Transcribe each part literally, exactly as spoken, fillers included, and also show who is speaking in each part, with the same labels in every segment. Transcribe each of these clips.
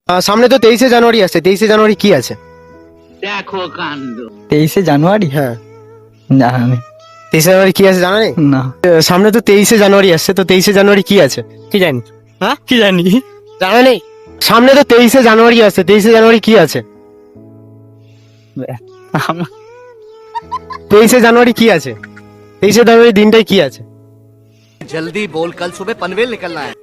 Speaker 1: আহ, সামনে তো তেইশে জানুয়ারি আসছে, তেইশে জানুয়ারি কি আছে?
Speaker 2: দেখো কাণ্ড।
Speaker 3: তেইশে জানুয়ারি?
Speaker 1: হ্যাঁ,
Speaker 3: জানা নেই।
Speaker 1: তেইশে জানুয়ারি কি আছে জানা নেই?
Speaker 3: না,
Speaker 1: আহ, সামনে তো তেইশে জানুয়ারি আসছে, তো তেইশে জানুয়ারি কি আছে?
Speaker 3: কি জানি।
Speaker 1: হ্যাঁ,
Speaker 3: কি জানি।
Speaker 1: জানা নেই? সামনে তো তেইশে জানুয়ারি আসছে, তেইশে জানুয়ারি কি আছে?
Speaker 3: আমার
Speaker 1: তেইশে জানুয়ারি কি আছে? তেইশে জানুয়ারি দিনটাই কি আছে?
Speaker 4: जल्दी बोल, कल सुबह पनवेल निकलना है।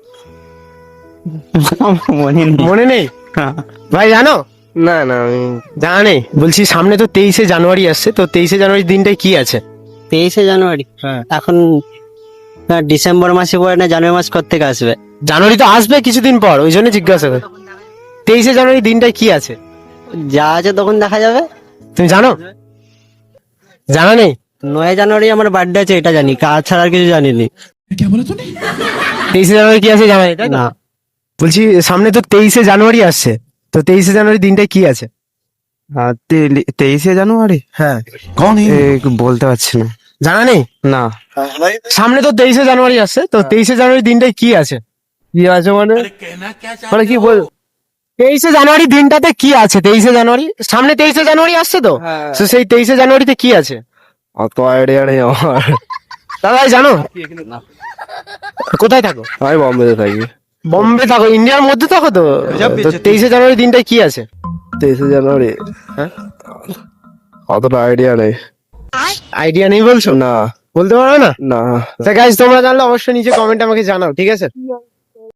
Speaker 3: মনে নেই।
Speaker 1: মনে নেই ভাই, জানো?
Speaker 5: না না আমি
Speaker 1: জানা নেই? বলছি সামনে তো তেইশে জানুয়ারি আসছে, তো তেইশে জানুয়ারি দিনটাই কি আছে?
Speaker 6: তেইশে জানুয়ারি
Speaker 1: হ্যাঁ,
Speaker 6: এখন না, ডিসেম্বর মাসে পরে না জানুয়ারি মাস কোত্থেকে আসবে?
Speaker 1: জানুয়ারি তো আসবে কিছুদিন পর, ওই জন্য জিজ্ঞাসা করি। তেইশে জানুয়ারি দিনটাই কি আছে?
Speaker 6: যা আছে তখন দেখা যাবে।
Speaker 1: তুমি জানো? জানা নেই?
Speaker 6: নয় জানুয়ারি আমার বার্থডে আছে, এটা জানি, কাজ ছাড়া আর কিছু জানিনি।
Speaker 1: তেইশে জানুয়ারি কি আছে জানা নেই, তাই না?
Speaker 6: না,
Speaker 1: বলছি সামনে তো তেইশে জানুয়ারি আসছে, তো তেইশে জানুয়ারি দিনটাই কি আছে?
Speaker 5: হ্যাঁ, তে- তেইশে জানুয়ারি
Speaker 1: হ্যাঁ,
Speaker 5: এ, বলতে পারছি না।
Speaker 1: জানা নেই?
Speaker 5: না
Speaker 1: সামনে তো তেইশে জানুয়ারি আসছে, তো তেইশে জানুয়ারি দিনটাই কি আছে?
Speaker 5: কি আছে মানে মানে কি বল?
Speaker 1: তেইশে জানুয়ারি দিনটাতে কি আছে? তেইশে জানুয়ারি সামনে তেইশে জানুয়ারি আসছে তো,
Speaker 5: হ্যাঁ।
Speaker 1: তো সেই তেইশে জানুয়ারিতে কি আছে?
Speaker 5: অত আইডিয়া নেই আমার।
Speaker 1: দাদাই জানো? কোথায় থাকো?
Speaker 5: আমি বম্বেতে থাকি।
Speaker 1: বম্বে থাকো? ইন্ডিয়ার মধ্যে থাকো তো? তো তেইশে জানুয়ারি দিনটাই কি আছে?
Speaker 5: তেইশে জানুয়ারি
Speaker 1: হ্যাঁ,
Speaker 5: অতটা আইডিয়া নেই।
Speaker 1: আইডিয়া নেই বলছো?
Speaker 5: না
Speaker 1: বলতে পারো না?
Speaker 5: না
Speaker 1: তা গাইস, তোমরা জানলে অবশ্যই নিচে কমেন্ট আমাকে জানাও, ঠিক আছে?